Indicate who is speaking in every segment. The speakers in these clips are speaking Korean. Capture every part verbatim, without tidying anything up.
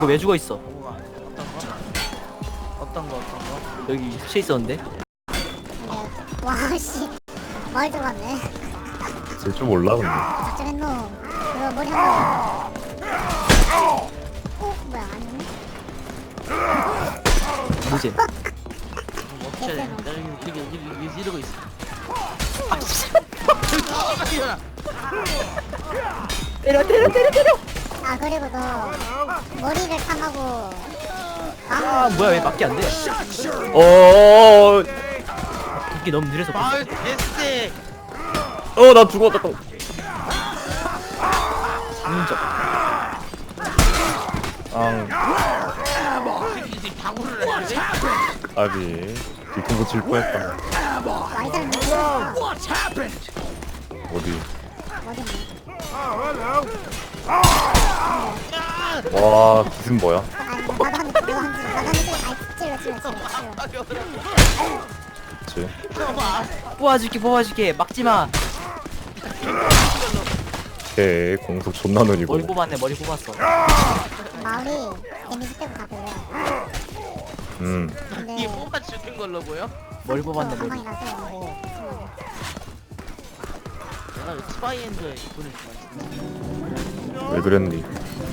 Speaker 1: 너 왜 죽어 있어?
Speaker 2: 뭐가 어떤 거? 어떤 거 어떤 거?
Speaker 1: 여기 수채 있었는데?
Speaker 3: 근데 와씨 뭘 들어갔네.
Speaker 4: 쓸 줄 몰라 근데.
Speaker 3: 작정했노. 그거 머리 한번. 어 뭐야 아니네.
Speaker 1: 뭐지?
Speaker 2: 뭐 어떻게 해야 돼? 내가 이렇게 이렇게 이렇게 이렇게 이러고 있어.
Speaker 1: 때려 때려 때려 때려!
Speaker 3: 아 그리고 너 머리를 탐하고.
Speaker 1: 아 뭐야 왜 막기 안 돼?
Speaker 4: 어어어어.
Speaker 1: 이게 너무 느려서 그래.
Speaker 2: 마을 데스테.
Speaker 4: 어, 나 죽었다 또.
Speaker 1: 인적.
Speaker 4: 앙.
Speaker 2: 이제 다구를 하지?
Speaker 4: 아비. 뒤통수 칠 뻔했다.
Speaker 3: 와이잘 모르겠어.
Speaker 4: 어디?
Speaker 3: 머리
Speaker 4: 와, 기승 뭐야?
Speaker 3: 아니 나도 한대 나도 한대 나도 한대 찔러 찔러 찔러 찔러 찔러.
Speaker 4: 그치?
Speaker 1: 뽑아줄게 뽑아줄게 막지마.
Speaker 4: 걔 공속 존나 느리고.
Speaker 1: 머리 뽑았네 머리 뽑았어.
Speaker 3: 마을이 데미지 빼고 다 별로야.
Speaker 4: 음.
Speaker 2: 이게
Speaker 3: 근데
Speaker 2: 뽑아 주는 걸로 보여?
Speaker 1: 머리 뽑았네 머리.
Speaker 3: 가망이라서
Speaker 2: 내가 왜 스파이엔드에 돈을 주고
Speaker 4: 왜 그랬니?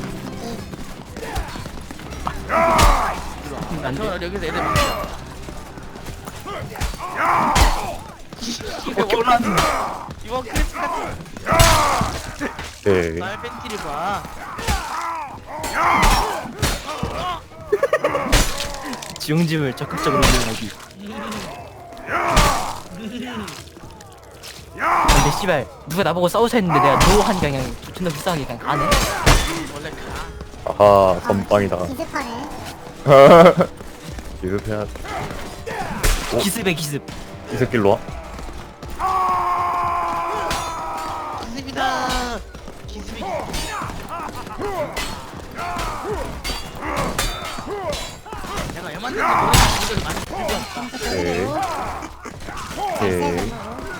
Speaker 1: 안 돼.
Speaker 2: 저 여기서 애들 막자.
Speaker 1: 어깨 올라왔는데.
Speaker 2: 이번 크리스 같은
Speaker 4: 걔.
Speaker 2: 날 팬티를 봐.
Speaker 1: 지용짐을 적극적으로 이용하기. 근데 씨발 누가 나보고 싸우자 했는데 내가 노한 그냥 존나 불쌍하게 그냥 가네.
Speaker 2: 원래 가.
Speaker 4: 아하, 선빵이다.
Speaker 3: 기습하네.
Speaker 4: 기습해야 돼. 어?
Speaker 1: 기습에 기습.
Speaker 4: 이 새끼로 와?
Speaker 2: 기습이다. 기습이. 내가 얼마나 노래 많이 들었다.
Speaker 4: 오케이. 오케이.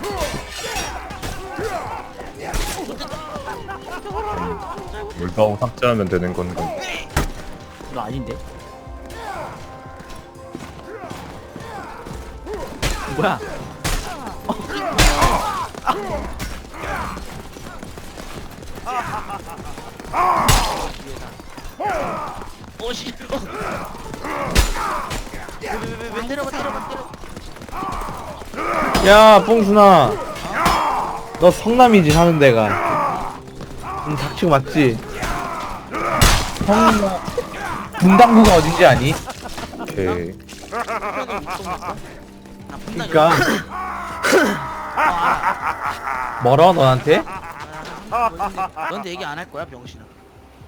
Speaker 4: 물가오 삭제하면 되는 건가?
Speaker 1: 이거 아닌데? 뭐야?
Speaker 2: 오씨. 왜왜왜 때려봐 때려봐 때려.
Speaker 5: 야 뽕순아 너 성남이지 사는 데가 응 닥치고 맞지? 성 분당구가 어딘지 아니?
Speaker 4: 오케이.
Speaker 5: 그니까 멀어 너한테?
Speaker 2: 너한테 얘기 안 할 거야 병신아.